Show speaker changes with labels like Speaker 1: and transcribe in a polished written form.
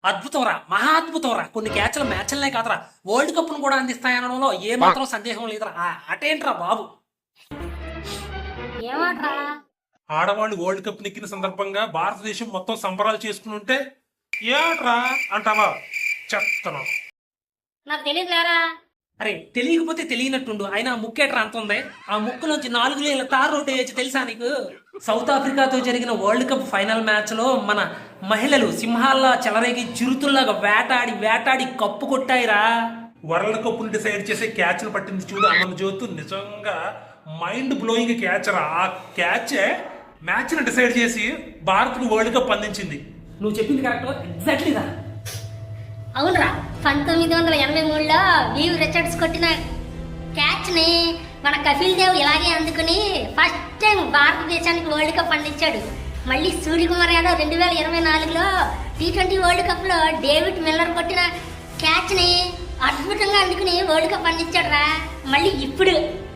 Speaker 1: అద్భుతం రా, మహా అద్భుతం రా. కొన్ని క్యాచ్ల మ్యాచ్లనే కాదురా, వరల్డ్ కప్ ను కూడా అందిస్తాయనడంలో ఏ మాత్రం సందేహం లేదురా. అటేంట్రా బాబు.
Speaker 2: ఏమాట్రా?
Speaker 3: ఆడవాళ్ళు వరల్డ్ కప్ నెక్కిన సందర్భంగా భారతదేశం మొత్తం సంబరాలు చేసుకుని ఉంటే ఏట్రా అంటావా? చెప్తాను.
Speaker 2: నాకు తెలియదు లేరా.
Speaker 1: అరే తెలియకపోతే తెలియనట్టుండు, ఆయన ముక్కేట్రా అంత ఉంది. ఆ ముక్కులోంచి 4 లేల తార్ రోడ్డు వేయచ్చు తెలుసా నీకు? సౌత్ ఆఫ్రికాతో జరిగిన వరల్డ్ కప్ ఫైనల్ మ్యాచ్ లో మన మహిళలు సింహాల్లా చెలరేగి చిరుతుల్లాగా వేటాడి వేటాడి కప్పు కొట్టాయిరా.
Speaker 3: వరల్డ్ కప్ ని డిసైడ్ చేసే క్యాచ్ ను పట్టింది చూడు అమన్ జ్యోతు, నిజంగా మైండ్ బ్లోయింగ్ క్యాచ్ రా. ఆ క్యాచే మ్యాచ్ ని డిసైడ్ చేసి భారత్ కు వరల్డ్ కప్ అందించింది.
Speaker 1: నువ్వు చెప్పింది కరెక్ట్, ఎగ్జాక్ట్లీ రా.
Speaker 2: అవునరా, 1983లో వీవ్ రిచర్డ్స్ కొట్టిన క్యాచ్ ని మన కపిల్ దేవ్ ఇలాగే అందుకుని ఫస్ట్ టైం భారతదేశానికి వరల్డ్ కప్ అందించాడు. మళ్ళీ సూర్యకుమార్ యాదవ్ 2024లో T20 వరల్డ్ కప్ లో డేవిడ్ మిల్లర్ కొట్టిన క్యాచ్ ని అద్భుతంగా అందుకుని వరల్డ్ కప్ అందించాడు రా. మళ్ళీ ఇప్పుడు